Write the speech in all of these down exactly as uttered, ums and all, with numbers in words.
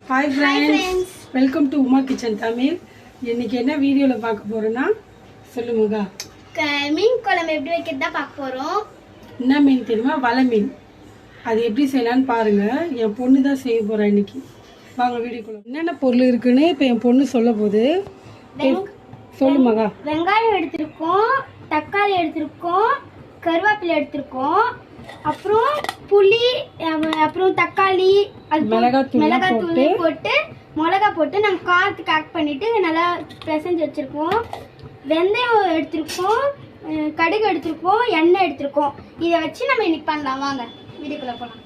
Hi friends, welcome to Uma Kitchen Tamil. இன்னைக்கு என்ன வீடியோல பார்க்க போறோம்னா சொல்லுங்க. மீன் குழம்பு எப்படி வைக்கிறதா பார்க்க போறோம். என்ன மீன் தெரியுமா? வலை மீன். அது எப்படி செய்யலாம்னு பாருங்க. என் பொண்ணு தான் செய்ய போறா இன்னைக்கு. வாங்க வீடியோக்குள்ள. என்னென்ன பொருள் இருக்குன்னு இப்போ என் பொண்ணு சொல்ல போகுது. சொல்லுமாங்க. வெங்காயம் எடுத்துருக்கோம், தக்காளி எடுத்துருக்கோம், கருவேப்பிலை எடுத்துருக்கோம், அப்புறம் புளி, அப்புறம் தக்காளி, மிளகாத்தூள் போட்டு மிளகா போட்டு நாங்கள் காரத்துக்கு ஆட் பண்ணிட்டு நல்லா பிசைஞ்சு வச்சிருக்கோம். வெந்தயம் எடுத்துருக்கோம், கடுகு எடுத்துருக்கோம், எண்ணெய் எடுத்துருக்கோம். இதை வச்சு நம்ம இன்னைக்கு பண்ணலாம். வாங்க வீடியோக்குள்ள போகலாம்.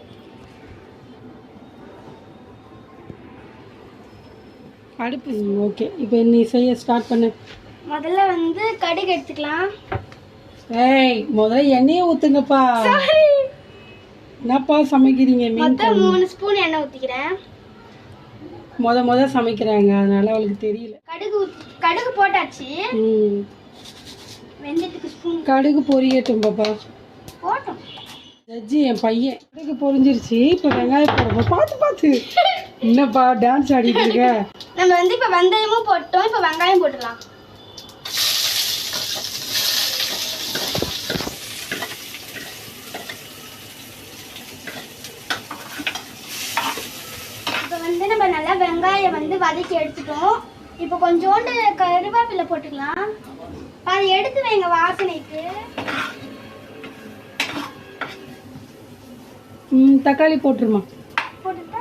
அடுப்பு ஓகே. இப்போ நீ செய்ய ஸ்டார்ட் பண்ணு. முதல்ல வந்து கடுகு எடுத்துக்கலாம். ஏய் முதல்ல எண்ணெயை ஊத்துங்கப்பா. என்னப்பா சமைக்கிறீங்க? மொத்தம் மூணு ஸ்பூன் எண்ணெய் ஊற்றிக்கிறேன். முத முத சமைக்கிறாங்க, அதனால அவளுக்கு தெரியல. கடுகு கடுகு போட்டாச்சு. ம் வெந்தயத்துக்கு ஸ்பூன் கடுகு பொரியட்டும் பாப்பா. போட்டோம். ஜட்ஜி என் பையன் கடுகு பொரிஞ்சிருச்சு. இப்போ வெங்காயம் போடுவோம். பார்த்து பார்த்து என்னப்பா டான்ஸ் ஆடிட்டு இருக்க? நம்ம வந்து இப்போ வெந்தயமும் போட்டோம். இப்போ வெங்காயம் போட்டுடலாம். வந்து நம்ம நல்லா வெங்காயம் வந்து வதக்கி எடுத்துட்டோம். இப்போ கொஞ்சோண்டு கருவேப்பிலை போட்டுக்கலாம். அதை எடுத்து வைங்க வாசனைக்கு. ம் தக்காளி போட்டுருமா. போட்டுட்டா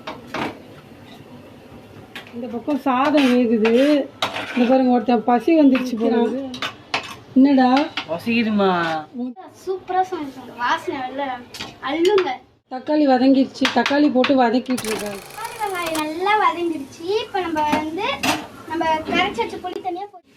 இந்த பக்கம் சாதம் வேகுது. இந்த பாருங்க ஒருத்தன் பசி வந்துருச்சு போறாங்க. என்னடா பசிக்குதுமா? சூப்பரா சமைச்சாங்க. வாசனை நல்ல அள்ளுங்க. தக்காளி வதங்கிடுச்சு. தக்காளி போட்டு வதக்கிட்டு இருக்காங்க. நல்லா வதங்கிடுச்சு. இப்போ நம்ம வந்து நம்ம கரைச்சி வச்ச புளி தனியா போட்டு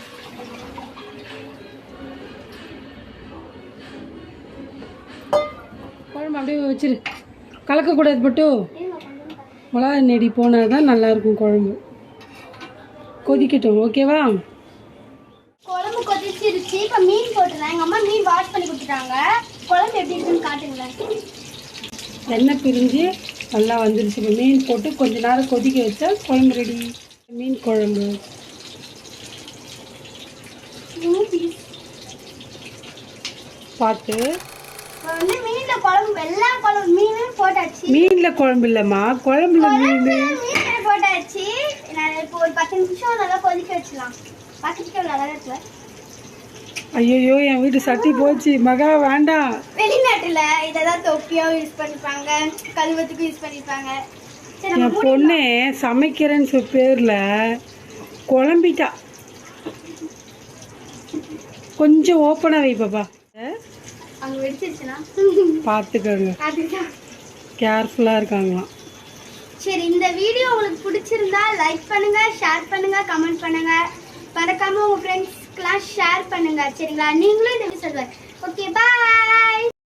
குழம்பு அப்படியே வச்சிரு. கலக்கக்கூடாது மட்டும். மிளகா நெடி போனால் தான் நல்லாயிருக்கும் குழம்பு. கொதிக்கட்டும். ஓகேவா? குழம்பு கொதிச்சிருச்சு. இப்போ மீன் போட்டுடலாம். எங்கள் அம்மா மீன் வாஷ் பண்ணி கொடுத்துட்டாங்க. குழம்பு எப்படி இருக்குன்னு காட்டுங்களேன். எண்ணெய் பிரிஞ்சு நல்லா வந்துருச்சு. இப்போ மீன் போட்டு கொஞ்ச நேரம் கொதிக்க வச்சா குழம்பு ரெடி. மீன் குழம்பு பார்த்து வந்து மீன்ல குழம்பு எல்லா குழம்பு மீனும் போட்டாச்சு. மீன்ல குழம்பு இல்லைம்மா, குழம்புல மீன் மீன் போட்டாச்சு. நான் இப்போ ஒரு பத்து நிமிஷம் நல்லா கொதிக்க வச்சிடலாம். பக்கத்துக்கு நல்லா இருக்குல்ல? ஐயோ என் வீட்டு சட்டி போச்சு மகா, வேண்டாம். வெளிநாட்டுல இதெல்லாம் தொப்பியா யூஸ் பண்ணிப்பாங்க, கழுவத்துக்கு யூஸ் பண்ணிப்பாங்க. என் பொண்ணு சமைக்கிறேன்னு சொல் பேர்ல குழம்பிட்டா. கொஞ்சம் ஓப்பனா வை பாப்பா. அங்க வெடிச்சிருச்சுனா பார்த்துக்கோங்க. கேர்ஃபுல்லா இருக்காங்களாம். சரி, இந்த வீடியோ உங்களுக்கு பிடிச்சிருந்தா லைக் பண்ணுங்க, ஷேர் பண்ணுங்க, கமெண்ட் பண்ணுங்க. மறக்காம உங்க ஃப்ரெண்ட்ஸ்க்குலாம் ஷேர் பண்ணுங்க. சரிங்களா? நீங்களும் இந்த வீடியோ சொல்லுங்க. ஓகே, பாய்.